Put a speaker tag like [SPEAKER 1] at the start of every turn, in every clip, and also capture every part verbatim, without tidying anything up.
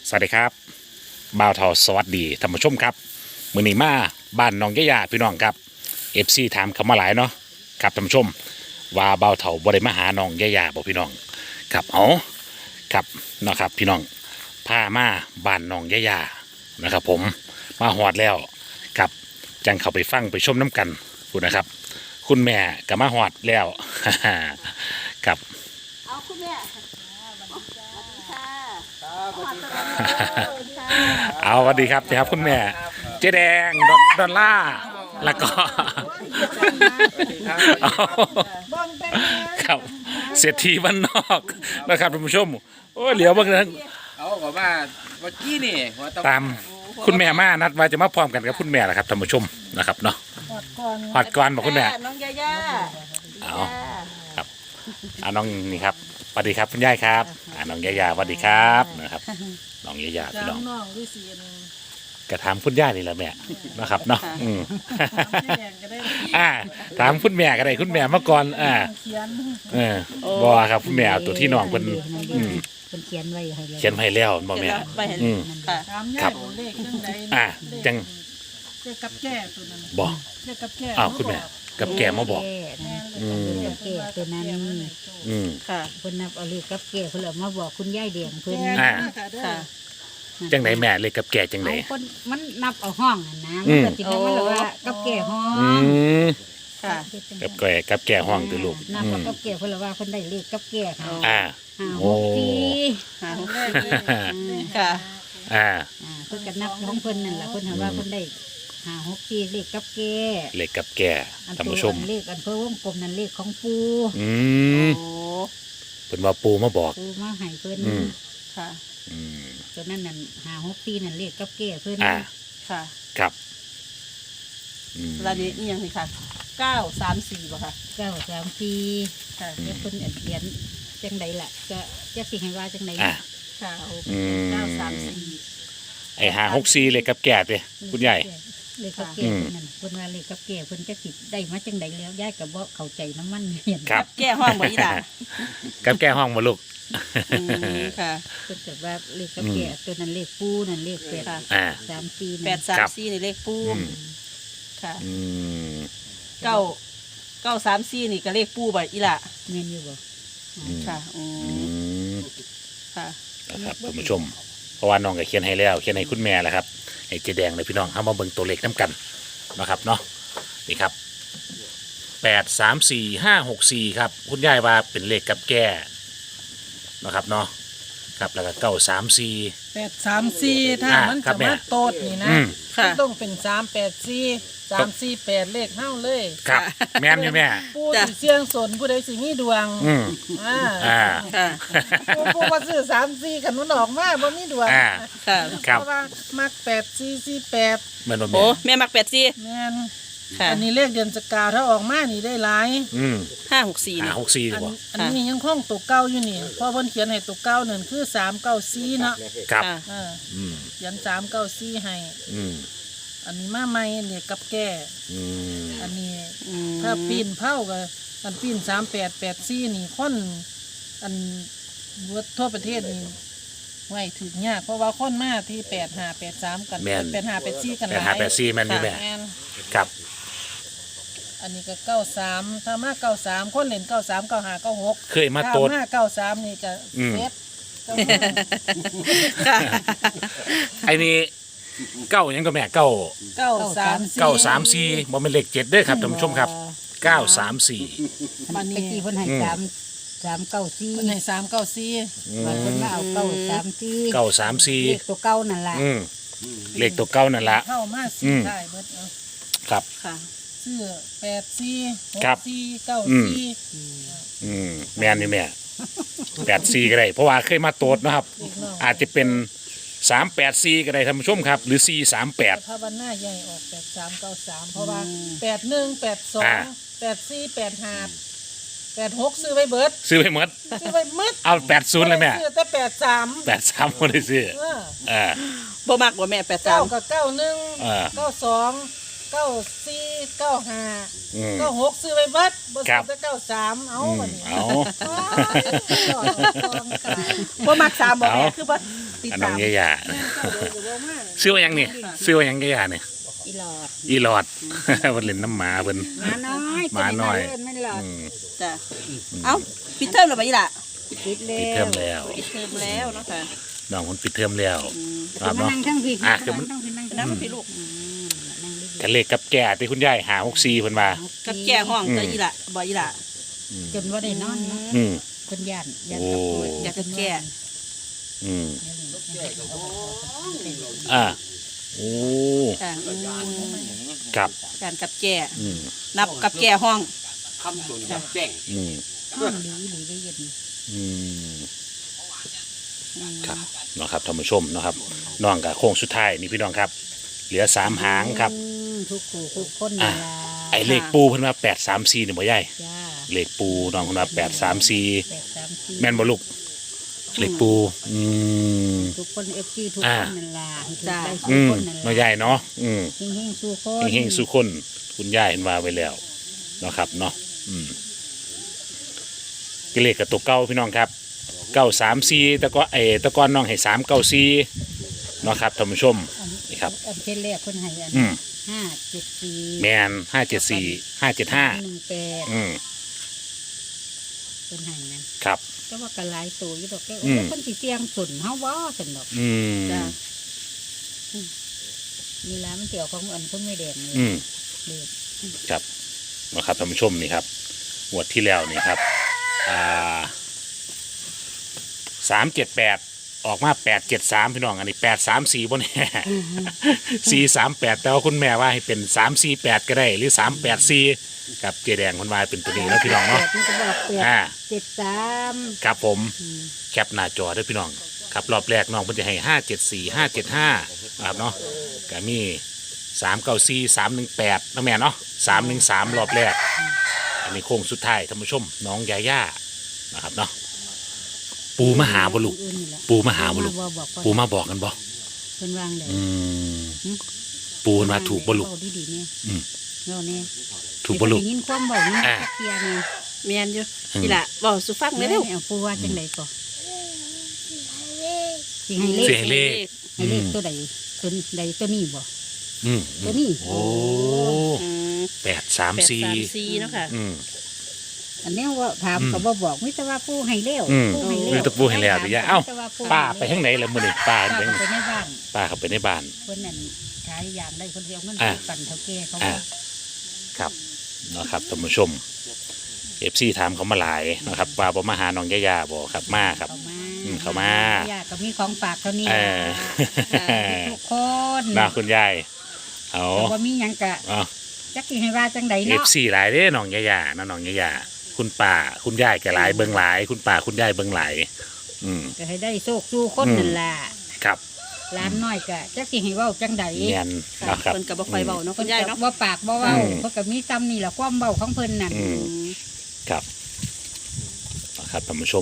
[SPEAKER 1] สวัสดีครับบ่าวเทาสวัสดีท่านผู้ชมครับมื้อนี้มาบ้านน้องยะยาพี่น้องครับ เอฟ ซี ถามเข้ามาหลายเนาะครับท่านผู้ชมว่าบ่าวเทาบ่ได้มาหาน้องยะยาบ่พี่น้องครับเอาครับเนาะครับพี่น้องพามาบ้านน้องยะยานะครับผมมาฮอดแล้วครับจังเข้าไปฟังไปชมน้ำกันพูดนะครับคุณแม่ก็มาฮอดแล้ว ครับ
[SPEAKER 2] เอาคุณแม่สวัสดีค่ะ
[SPEAKER 1] เอาสวัสดีครับนะครับคุณแม่เจ๊แดงดอลล่าร์แล้วก็เอาครับเศรษฐีบ้านนอกนะครับท่านผู้ชมโอ้เหลียวบางนั้น
[SPEAKER 3] เอาบอกว่าเมื่อกี้นี่ว่าต้อง
[SPEAKER 1] ตามคุณแม่มานัดว่าจะมาพร้อมกันกับคุณแม่แหละครับท่านผู้ชมนะครับเนาะหอดก่อนบอกคุณแม่
[SPEAKER 2] น้องยาย่า
[SPEAKER 1] เอาครับเอาน้องนี่ครับสวัสดีครับคุณยายครับอ่าน้องยายาสวัสดีครับนะครับน้องยายาพี่น้อง
[SPEAKER 4] น้องด้วยสีน
[SPEAKER 1] กระถามคุณย่านี่แหละแม่นะครับเนาะอืม
[SPEAKER 4] ที่แดงก็ได้
[SPEAKER 1] อ่าถามคุณแม่ก็ได้คุณแม่เมื่อก่อนอ่า
[SPEAKER 4] เขียน
[SPEAKER 1] เออบอครับคุณแม่เอาตัวที่น้องเพิ่นอืม
[SPEAKER 5] เป็นเขียนไว้ให้เลย
[SPEAKER 1] เขียนให้แล้วบ่แม่
[SPEAKER 2] ไปเห็น
[SPEAKER 1] อืม
[SPEAKER 2] ค่ะ
[SPEAKER 4] ตาม
[SPEAKER 1] ครั
[SPEAKER 4] ย่า
[SPEAKER 1] บ
[SPEAKER 4] เลขจังใด
[SPEAKER 1] อ่าจัง
[SPEAKER 4] เลขกับแก่ตัวนั้น
[SPEAKER 1] บ่
[SPEAKER 4] เลขกับแก่
[SPEAKER 1] อ้าวคุณแม่กับแกมาบอก
[SPEAKER 5] แก่นะ
[SPEAKER 1] อืม
[SPEAKER 5] กับแก่ตัวนั้น
[SPEAKER 1] อืม
[SPEAKER 2] ค่ะ
[SPEAKER 5] เพิ่นนับเอาเลขกับแก่เพิ่นเอามาบอกคุณยายแดงเพิ่น
[SPEAKER 1] อ่า
[SPEAKER 4] ค่ะเด้อ
[SPEAKER 2] ค่ะ
[SPEAKER 1] จังไหนแม่เลยกับแกจังไหน
[SPEAKER 5] เอาคนมันนับเอาห้องน่ะนะ
[SPEAKER 1] อื
[SPEAKER 5] มัน
[SPEAKER 1] ม
[SPEAKER 5] ก็สิแม่นมันเลยว่ากับแก่ห้อ
[SPEAKER 1] อื
[SPEAKER 5] ง
[SPEAKER 1] ม
[SPEAKER 2] ค่ะ
[SPEAKER 1] กับแกกับแกห้องตือลูก
[SPEAKER 5] นับ
[SPEAKER 1] อื
[SPEAKER 5] เอา
[SPEAKER 1] ม
[SPEAKER 5] กับแก่เพิ่นเลยว่าเพิ่นได้เลขกับแก่ค่ะ
[SPEAKER 1] อ่า
[SPEAKER 5] ห้า
[SPEAKER 1] โอ้
[SPEAKER 5] หกสี่
[SPEAKER 2] หา
[SPEAKER 4] แรกเลย
[SPEAKER 2] ค่ะ
[SPEAKER 1] อ่า
[SPEAKER 5] อ่าเพิ่นก็นับของเพิ่นนั่นล่ะเพิ่นหาว่าเพิ่นได้ห้าหกสี่เลขกับแก่
[SPEAKER 1] เลขกับแก
[SPEAKER 5] อัน
[SPEAKER 1] ท่าน
[SPEAKER 5] ตัว
[SPEAKER 1] ผู้ชม
[SPEAKER 5] อันเลขอันเพิ่นวงกลมนั่นเลขของปู
[SPEAKER 1] อื
[SPEAKER 2] โอ้
[SPEAKER 1] มเพิ่นว่าปูมาบอก
[SPEAKER 5] ปูมาให้เพิ่น
[SPEAKER 1] อืม
[SPEAKER 2] ค่ะ
[SPEAKER 1] อืม
[SPEAKER 5] ตัวนั้นนั่นห้าหกสี่นั่นเลขกับแก่เพิ่น
[SPEAKER 1] อ่า
[SPEAKER 2] ค่ะ
[SPEAKER 1] ครับอืม
[SPEAKER 2] รายละเอียดนี่ยังสิค่ะเก้าสามสี่ป่ะค่ะ
[SPEAKER 5] เก้าสามสี่
[SPEAKER 2] ค่ะ
[SPEAKER 5] เดี๋ยวคนเขียนจังใดล่ะก็จะสิให้ว่าจังใด
[SPEAKER 1] อ่า
[SPEAKER 2] ค่ะ
[SPEAKER 1] อืม
[SPEAKER 2] เก้าสามสี่
[SPEAKER 1] ไอ้หาหกซีเลขกับแกเด้คุณใหญ่
[SPEAKER 5] เลขกับแก่เพิ่นนั่นเพิ่นว่าเลขกับแก่เพิ่นจะสิได้มาจังใดแล้วยายก็บ่เข้าใจน้ำมันเห็น
[SPEAKER 1] ครับ
[SPEAKER 2] แก้ห้องบ่อีหล่ะ
[SPEAKER 1] กับแกห้องมาลูก
[SPEAKER 2] อืมค่ะ
[SPEAKER 5] เพิ่นก็ว่าเลขกับแก่ตัวนั้นเลขปูนั่นเลขแปด
[SPEAKER 2] ค่ะ
[SPEAKER 1] อ่า
[SPEAKER 5] สามสี่
[SPEAKER 2] แป
[SPEAKER 5] นั่
[SPEAKER 2] ด
[SPEAKER 5] น
[SPEAKER 2] สาม
[SPEAKER 1] ครับ
[SPEAKER 2] สี่นี่เลขปู
[SPEAKER 1] อืม
[SPEAKER 2] ค่ะ
[SPEAKER 1] อืม
[SPEAKER 2] เก้าเก้าสามสี่นี่ก็เลขปูบ่อีหล่ะ
[SPEAKER 5] แม่นอยู่บ่
[SPEAKER 2] ค่ะอื
[SPEAKER 1] อื
[SPEAKER 2] ม
[SPEAKER 1] ม
[SPEAKER 2] ค่ะ
[SPEAKER 1] นะครับท่านผู้ชม เพราะว่าน้องก็เขียนให้แล้วเขียนให้คุณแม่แล้วครับให้เจแดงเลยพี่น้องเอามาเบิ่งตัวเลขน้ำกันนะครับเนาะนี่ครับแปดสามสี่ห้าหกสี่ครับคุณยายว่าเป็นเลขกับแก่นะครับเนาะครับแล้วก็เก้าสามสี่
[SPEAKER 4] แปดสามสี่ถ้า
[SPEAKER 1] อ่า
[SPEAKER 4] มัน
[SPEAKER 1] ครั
[SPEAKER 4] จะ
[SPEAKER 1] บแม่
[SPEAKER 4] มาโตดนี่นะ
[SPEAKER 1] อืม
[SPEAKER 2] ค่ะ
[SPEAKER 4] มันต้องเป็นสามแปดสี่สามสี่แปดเลขเฮ้าเลย
[SPEAKER 1] ครับแม่นอยู่แม่
[SPEAKER 4] ผู้สิเสี่ยงสนผู้ใดสิมีดวง
[SPEAKER 1] อืม
[SPEAKER 4] อ่า
[SPEAKER 1] อ่า
[SPEAKER 2] ค่ะ
[SPEAKER 4] ผู้ผู้ว่าซื้อสามสี่กันมันออกมาบ่มีดวง
[SPEAKER 1] อ่า
[SPEAKER 2] ค่ะ
[SPEAKER 1] ครับ
[SPEAKER 4] เพราะว่ามักแปดสี่สี่แปด
[SPEAKER 1] เหมือนว่า
[SPEAKER 2] โอ้
[SPEAKER 1] แม่
[SPEAKER 2] แม่มักแปดสี่
[SPEAKER 4] แม่น
[SPEAKER 2] ค่ะ
[SPEAKER 4] อันนี้เลขเดือนสกาวถ้าออกมานี่ได้หลาย
[SPEAKER 1] อืม
[SPEAKER 2] ห้าหกสี่
[SPEAKER 1] หา
[SPEAKER 2] นี่
[SPEAKER 1] หกสี่
[SPEAKER 4] อั
[SPEAKER 1] ดี
[SPEAKER 4] น
[SPEAKER 1] บ่
[SPEAKER 4] อันนี้ยังคงตัวเก้าอยู่นี่เพราะเพิ่นเขียนให้ตัวเก้าหนึ่งคือสามเก้าสี่เนาะ
[SPEAKER 1] ครับ
[SPEAKER 2] ค่ะ
[SPEAKER 4] เออ
[SPEAKER 1] อืม
[SPEAKER 4] เขียนสามเก้าสี่ให้
[SPEAKER 1] อืม
[SPEAKER 4] อันนี้มาใหม่เนี่ยกับแก่
[SPEAKER 1] อืม
[SPEAKER 4] อันนี้
[SPEAKER 2] อืม
[SPEAKER 4] ถ้าปีนเผาก็อันปีนสามแปดแปดสี่นี่คนอันเวิร์ดทั่วประเทศนี่ไว้ถึงยากเพราะว่าคนมาที่แปดห้าแปดสามกัน
[SPEAKER 1] แม่น
[SPEAKER 4] แปดห้าแปดสี่กันห
[SPEAKER 1] แปด
[SPEAKER 4] ลาย
[SPEAKER 1] หาแปดสี่แม่นอยู่แม่
[SPEAKER 4] แม่น
[SPEAKER 1] ครับ
[SPEAKER 4] อันนี้ก็เก้าสามถ้ามาเก้าสามคนเล่นเก้าสามเก้าห้าเก้าหก
[SPEAKER 1] เคยมาโตด
[SPEAKER 4] ถ้มาเก้าสามนี่จะ
[SPEAKER 1] อืม
[SPEAKER 4] เซฟเก้า
[SPEAKER 2] ค่ะ
[SPEAKER 1] ไอ้นี่เก้ายังก็แม่เก้า
[SPEAKER 4] เก้าสามสี่
[SPEAKER 1] เก้าสามสี่บ่เป็นเลขเจ็ดเด้อครับท่านผู้ชมครับเก้าสามสี่
[SPEAKER 4] บัน
[SPEAKER 5] ตะ
[SPEAKER 4] นี้
[SPEAKER 5] กี้เพิ่นให้
[SPEAKER 1] อืม
[SPEAKER 5] สามสามเก้าสี่
[SPEAKER 4] คนไหนสามเก้าสี่
[SPEAKER 5] บางคนมาเอาเก้าสามสี่
[SPEAKER 1] เก้าสามสี่
[SPEAKER 5] เลขตัวเก้านั่นล่ะ
[SPEAKER 1] อืมเลขตัวเก้านั่นละ
[SPEAKER 4] เข้ามา
[SPEAKER 1] อื
[SPEAKER 4] สี่
[SPEAKER 1] ม
[SPEAKER 4] ได้เบิดเอา
[SPEAKER 1] ครับ
[SPEAKER 2] ค่ะ
[SPEAKER 4] ซื้อแปดสี่หก
[SPEAKER 1] ครับ
[SPEAKER 4] สี่เก้า
[SPEAKER 1] อืม
[SPEAKER 4] สี่
[SPEAKER 1] อืมแม่นอยู่แม่แปดสี่ก็ได้เพราะว่าเคยมาโตดนะครับ
[SPEAKER 4] อีกน้อง
[SPEAKER 1] อาจจะเป็นสามแปดสี่ก็ได้ท่านผู้ชมครับ หรือสี่สามแปด
[SPEAKER 4] ถ้าวันหน้าใหญ่ออกแปดสามเก้าสามเพราะว่าแปดหนึ่งแปดสอ
[SPEAKER 1] อ่า
[SPEAKER 4] งแปดสี่แปดห้าแปดหกซื้อไว้เบิด
[SPEAKER 1] ซื้อไปหมด
[SPEAKER 4] ซื้อไว้หมืด
[SPEAKER 1] เอาแปดศูนย์เลยแม่
[SPEAKER 4] ซื้อแต่แปดสาม
[SPEAKER 1] แปดสามคนได้ซื้อ
[SPEAKER 4] เออ
[SPEAKER 1] อ่า
[SPEAKER 2] บ่มักบ่แม่แปดสา
[SPEAKER 4] เก้าม กับเก้าหนึ่ง
[SPEAKER 1] อ่า
[SPEAKER 4] เก้าสองเก้าสี่เก้าห้า
[SPEAKER 1] อืม
[SPEAKER 4] เก้าหกซื้อไว้เบิดบ่
[SPEAKER 1] ครั
[SPEAKER 4] ซื้อบ แต่เก้าสามเอา
[SPEAKER 1] อืม
[SPEAKER 4] บัดนี้
[SPEAKER 1] เอา
[SPEAKER 4] ว้ายยอดกองกลาง
[SPEAKER 2] บ่มักสามบ่แม่
[SPEAKER 1] เอา
[SPEAKER 2] คือบ่ติด
[SPEAKER 1] อันน้
[SPEAKER 2] ตา
[SPEAKER 1] อง
[SPEAKER 2] ม
[SPEAKER 1] ยายาซื้อว่าหยังนี่ซื้อว่าหยังยายาเนี่ย
[SPEAKER 5] อีหลอด
[SPEAKER 1] อีหลอด เพิ่นเล่นน้ำหมาเพิ่น
[SPEAKER 5] หมาน้อย
[SPEAKER 1] หมาน้อย
[SPEAKER 5] ตัวไม่หลอด
[SPEAKER 1] อืม
[SPEAKER 2] จ้ะเอ้าปิดเทอมแล้วบ่อีหล่ะ
[SPEAKER 5] ปิดแล้
[SPEAKER 1] ปิดเทอ
[SPEAKER 5] ว
[SPEAKER 1] มแล้ว
[SPEAKER 2] ปิดเทอมแล้วเนาะค่ะ
[SPEAKER 1] น้องเพิ่นปิดเทอมแล้ว
[SPEAKER 2] อืม
[SPEAKER 1] ครับ
[SPEAKER 5] มา
[SPEAKER 1] เนาะ
[SPEAKER 5] นั่งทั้งพี่
[SPEAKER 1] อ่ะ
[SPEAKER 5] นั่
[SPEAKER 1] คือมัน
[SPEAKER 5] งทั้งพี่นั่ง
[SPEAKER 2] น้ำพี่ลูก
[SPEAKER 5] อืมนั่งดีๆ
[SPEAKER 1] กันเลขกับแก่ที่คุณยายหาหกสี่เพิ่นว่า
[SPEAKER 2] กับแก่ห้องก็อีหล่ะบ่อีหล่ะ
[SPEAKER 5] จนว่าได้นอนเนาะ
[SPEAKER 1] อืม
[SPEAKER 5] คนย่านย่าน
[SPEAKER 1] โอ้
[SPEAKER 5] กับป่วย
[SPEAKER 2] อยากจะแก่
[SPEAKER 1] อืมอ่าโอ้
[SPEAKER 2] จ้ะอืม
[SPEAKER 1] กับ
[SPEAKER 2] การกับแก่
[SPEAKER 1] อืม
[SPEAKER 2] นับกับแก่ห้อง
[SPEAKER 3] คำส่วนกับแจ้ง
[SPEAKER 1] อืม
[SPEAKER 5] ห้องดีหรือได้ยิน
[SPEAKER 1] อืมครับเนาะครับท่านผู้ชมเนาะครับน้องกับโค้งสุดท้ายนี่พี่น้องครับ เหลือสามหางครับ
[SPEAKER 5] อืมทุกคู่ทุกคน
[SPEAKER 1] อ่ะ
[SPEAKER 5] เวลา
[SPEAKER 1] ไอเลขปูเพิ่นว่าแปดสามสี่นี่บ่ใหญ่
[SPEAKER 5] จ้า
[SPEAKER 1] เลขปูน้องเพิ่นว่าแปดสามสี่
[SPEAKER 5] แปดสามสี่
[SPEAKER 1] แม่นบ่ลูกเลขปูอืม
[SPEAKER 5] ทุกคนเอฟซีทุก
[SPEAKER 1] อ่า
[SPEAKER 5] คนนั่นล่ะให้ถูกได้
[SPEAKER 1] อื
[SPEAKER 5] ทุก
[SPEAKER 1] ม
[SPEAKER 5] คนนั่น
[SPEAKER 1] เนาะ
[SPEAKER 5] ล่ะ
[SPEAKER 1] ใหญ่เนาะอืม
[SPEAKER 5] เฮงๆสู้คน
[SPEAKER 1] เฮงๆสุคนคุณยายเห็นว่าไว้แล้วเนาะครับเนาะอืมกิเลขกับตัวเก้าพี่น้องครับเก้าสามสี่ตะก็เอตะกอนน้องให้สามเก้าสี่เนาะครับท่านผู้ชม
[SPEAKER 5] อัน
[SPEAKER 1] นี่ครับ
[SPEAKER 5] อันเป็นแรกคนให้อัน
[SPEAKER 1] อืม
[SPEAKER 5] ห้าเจ็ดสี่
[SPEAKER 1] แมนห้าเจ็ดสี่ห้าเจ็ดห้า
[SPEAKER 5] หนึ่งแปด
[SPEAKER 1] อืม
[SPEAKER 5] คนให้นั่น
[SPEAKER 1] ครับ
[SPEAKER 5] ก็ว่ากระไรตัวอยู่ดอกแก
[SPEAKER 1] อืม
[SPEAKER 5] คนสิเสียงสุนเฮาว่าสนดอก
[SPEAKER 1] อืม
[SPEAKER 2] จ้ะ
[SPEAKER 5] มีร้านมันเกี่ยวของอันคนไม่แดงเลย
[SPEAKER 1] อืม
[SPEAKER 5] เด็ก
[SPEAKER 1] ครับเนาะครับท่านผู้ชมนี่ครับงวดที่แล้วนี่ครับอ่าสามเจ็ดแปดออกมาแปดเจ็ดสามพี่น้องอันนี้แปดสามสี่บนแน่สี่สามแปดแต่ว่าคุณแม่ว่าให้เป็นสามสี่แปดก็ได้หรือสามแปดสี่กับเจแดงคนว่าเป็นตัวนี้แล้วพี่น้องเนาะ
[SPEAKER 5] แปดมันก็บอกแปด
[SPEAKER 1] อ่า
[SPEAKER 5] เจ็ดสาม
[SPEAKER 1] ครับผม
[SPEAKER 5] อืม
[SPEAKER 1] แคปหน้าจอด้วยพี่น้องครับรอบแรกน้องเพิ่นจะให้ห้าเจ็ดสี่ห้าเจ็ดห้าครับเนาะก็มีสามเก้าสี่สามหนึ่งแปดนะแม่เนาะสามหนึ่งสามรอบแรก อันนี้โค้งสุดท้ายท่านผู้ชมน้องยาย่านะครับเนาะปูมาหาบ่ลูก
[SPEAKER 5] อื่นนี่แหละ
[SPEAKER 1] ปูมาหาบ่ลูก
[SPEAKER 5] มาบอก
[SPEAKER 1] ปูมาบอกกันบ่
[SPEAKER 5] เพิ่นวางเลย
[SPEAKER 1] อืมปูเพิ่นว่าถูกบ่ลูก
[SPEAKER 5] เว้าดีๆเนี่ย
[SPEAKER 1] อืม
[SPEAKER 5] เว้าเนี่ย
[SPEAKER 1] ถูกบ่ลูก
[SPEAKER 5] ได้ยินความเบานี่
[SPEAKER 1] อ่า
[SPEAKER 5] เตียเนี่ย
[SPEAKER 2] แม่นอยู่
[SPEAKER 1] อืม
[SPEAKER 2] อีหล่ะบอกสุฟัง
[SPEAKER 5] แล้
[SPEAKER 2] เร็ว
[SPEAKER 5] เอาปูว่าจังไดก่อนสิให้เล
[SPEAKER 1] เสี
[SPEAKER 5] ข
[SPEAKER 1] ยงเลข
[SPEAKER 5] ให้เลขตัวใดตัวใดตัวนี้บ่
[SPEAKER 1] อืม
[SPEAKER 5] ตัวนี้
[SPEAKER 1] โอ้
[SPEAKER 2] อืม
[SPEAKER 1] แปดสาม
[SPEAKER 2] แปด
[SPEAKER 1] สี่
[SPEAKER 2] สามสี่เนาะค่ะ
[SPEAKER 1] อืม
[SPEAKER 5] อันนี้ว่าถาม
[SPEAKER 1] อืม
[SPEAKER 5] ก็บ่บอกมิตรว่าปูให้แล้ว
[SPEAKER 1] อืม
[SPEAKER 5] ปูให้แล้ว
[SPEAKER 1] มีแต่ปูให้แล้วดิยะเอ้า
[SPEAKER 5] มิตรว่ปู
[SPEAKER 1] ป้าไปทางไหนล่ะมื้อนี้ป้า
[SPEAKER 5] ป้า
[SPEAKER 1] ไป
[SPEAKER 5] ก็
[SPEAKER 1] ทางไหน
[SPEAKER 5] ไปในบ้าน
[SPEAKER 1] ป้าเข้าไปในบ้าน
[SPEAKER 5] เพิ่นนั่นขายยางได้คนเดียวเงิน
[SPEAKER 1] อ่า
[SPEAKER 5] ปั่นเท่าแก่เขา
[SPEAKER 1] อ่า
[SPEAKER 5] ว่า
[SPEAKER 1] ครับเนาะครับท่านผู้ชมเอฟซีถามเขามาหลายนะครับว่าบ่มาหาน้องยาย่าบ่ครับมาครับ
[SPEAKER 5] เขามา
[SPEAKER 1] อืมเขามา
[SPEAKER 5] ญาติก็มีของฝากเท่านี้
[SPEAKER 1] เออ
[SPEAKER 5] ทุกคน
[SPEAKER 1] น่าคุณยายเอา
[SPEAKER 5] แต่ว่ามีหยังกะ
[SPEAKER 1] เอา
[SPEAKER 5] จักสิให้ว่าจังใด
[SPEAKER 1] เอ
[SPEAKER 5] เนาะ
[SPEAKER 1] ฟซีหลายเด้น้องยายานะน้องยายาคุณป่าคุณยายก็หลายเบิ่งหลาย คุณป่าคุณยายเบิ่งหลายอืม
[SPEAKER 5] ก็ให้ได้โชคสู้คน
[SPEAKER 1] อืม
[SPEAKER 5] นั่นล่ะ
[SPEAKER 1] ครับ
[SPEAKER 5] ร้านน้อยกะจักสิให้เว้าจังใด
[SPEAKER 1] เนียนนะครับ
[SPEAKER 2] เพิ่นก็บ่ค่อยเว้าเนาะคุณยายเนาะ
[SPEAKER 5] ว่าปากบ่เว้า
[SPEAKER 1] อืม
[SPEAKER 5] เพิ่นก็มีซ้ำนี่ล่ะความเว้าของเพิ่นนั่น
[SPEAKER 1] อืม
[SPEAKER 2] อืม
[SPEAKER 1] ครับนะครับท่านผู้ชม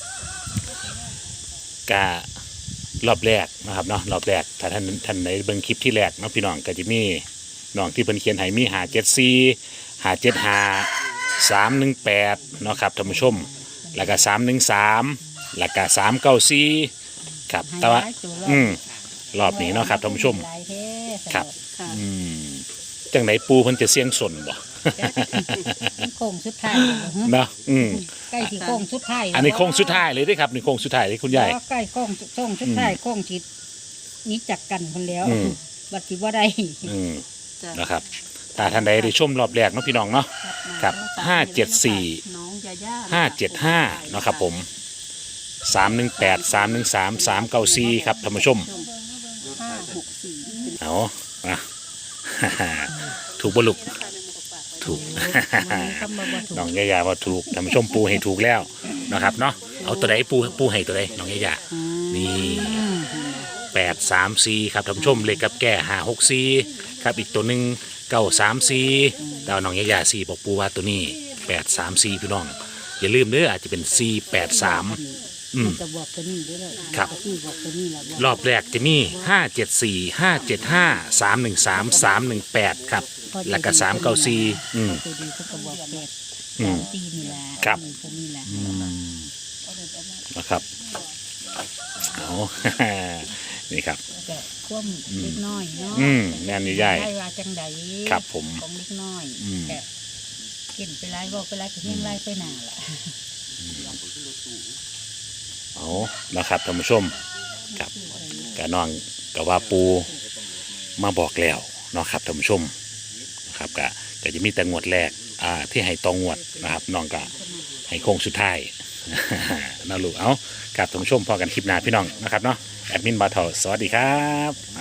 [SPEAKER 1] การอบแรกนะครับเนาะรอบแรกถ้าท่านท่านในเบิ่งคลิปที่แรกเนาะพี่น้องก็จะมีน้องที่เพิ่นเขียนให้มีหาเจ็ดสี่หาเจ็ดหาสามหนึ่งแปดเนาะครับท่านผู้ชม แล้วก็สามหนึ่งสามแล้วก็สามเก้าสี่ครับแต่ว่า
[SPEAKER 5] ให้หลยตัวรอบ
[SPEAKER 1] อืมรอบนี้เนาะครับท่านผู้ชม
[SPEAKER 5] หลายแท้
[SPEAKER 1] ครับ
[SPEAKER 2] ค่ะ
[SPEAKER 1] อืมจังไหนปูเพิ่นจะเสี่ยงสนบ่
[SPEAKER 5] มันโค้งสุดท้ายแล้วหึ
[SPEAKER 1] เนาะอืม
[SPEAKER 5] ใกล้สิโค้งสุดท้ายแล้ว
[SPEAKER 1] อันนี้โค้งสุดท้ายเลยเด้อครับนี่โค้งสุดท้ายเลยคุณยาย
[SPEAKER 5] บ่ใกล้โค้งโค้งสุดท้ายโค้งสิหนี้จักกันคนแล้ว
[SPEAKER 1] อืม
[SPEAKER 5] บัดสิบ่ได้
[SPEAKER 1] อืม
[SPEAKER 2] จ้ะ
[SPEAKER 1] นะครับถ้าท่านใดได้ชมรอบแรกเนาะพี่น้องเนาะ ครับห้าเจ็ดสี่
[SPEAKER 2] น้องยาย่า
[SPEAKER 1] ห้าเจ็ดห้าเนาะครับผมสามหนึ่งแปดสามหนึ่งสามสามเก้าสี่ครับท่านผู้ชม
[SPEAKER 2] ห้าหกสี่
[SPEAKER 1] เอาอ่ะ ถูกบ่ลูกถูก
[SPEAKER 5] คำว่าบ่ถูก
[SPEAKER 1] น้องยายาว่าถูกท่านผู้ชมปูให้ถูกแล้วนะครับเนาะเอาตัวใดปูปูให้ตัวใดน้องยายานี่แปดสามสี่ครับท่านผู้ชมเลขกับแก่ห้าหกสี่ครับอีกตัวหนึ่งเก้าสามสี่ดาวน้องยายาสี่บอกปูว่าตัวนี้แปดสามสี่พี่น้องอย่าลืมเด้ออาจจะเป็นสี่แปดสามอืม
[SPEAKER 5] จะบอกตัวนี้ด้วยเลย
[SPEAKER 1] ครับ
[SPEAKER 5] ที่บอกตัวนี้แหละบอก
[SPEAKER 1] รอบแรกจะมีห้าเจ็ดสี่ห้าเจ็ดห้าสามหนึ่งสามสามหนึ่งแปดครับแล้วก็สามเก้าสี่อืม
[SPEAKER 5] ตัวดีเขาก็บอกแปด
[SPEAKER 1] อืม
[SPEAKER 5] สามสี่นี่แหละ
[SPEAKER 1] ครับ
[SPEAKER 5] ตัวนี้แหละ
[SPEAKER 1] นะครับเอา นี่ครับ
[SPEAKER 5] ก็คว่ำเล็กน้อยเนาะ
[SPEAKER 1] อืมงานนี้ใหญ่
[SPEAKER 5] ได้ว่าจังใด
[SPEAKER 1] ครับผม
[SPEAKER 5] ของเล็กน้อย
[SPEAKER 1] อืม
[SPEAKER 5] ก็กินไปไล่บอกไปไล่ก็เฮี้ยงไล่ไปหนาล่ะ
[SPEAKER 1] เอานะครับท่านผู้ชมครับกะน้องกะว่าปูมาบอกแล้วเนาะครับท่านผู้ชมนะครับกะก็จะมีแต่งวดแรกอ่าที่ให้ตองงวดนะครับน้องกะให้โค้งสุดท้าย นะลูกเอากับท่านผู้ชมพอกันคลิปหน้าพี่น้องนะครับเนาะแอดมินบาทอสวัสดีครับ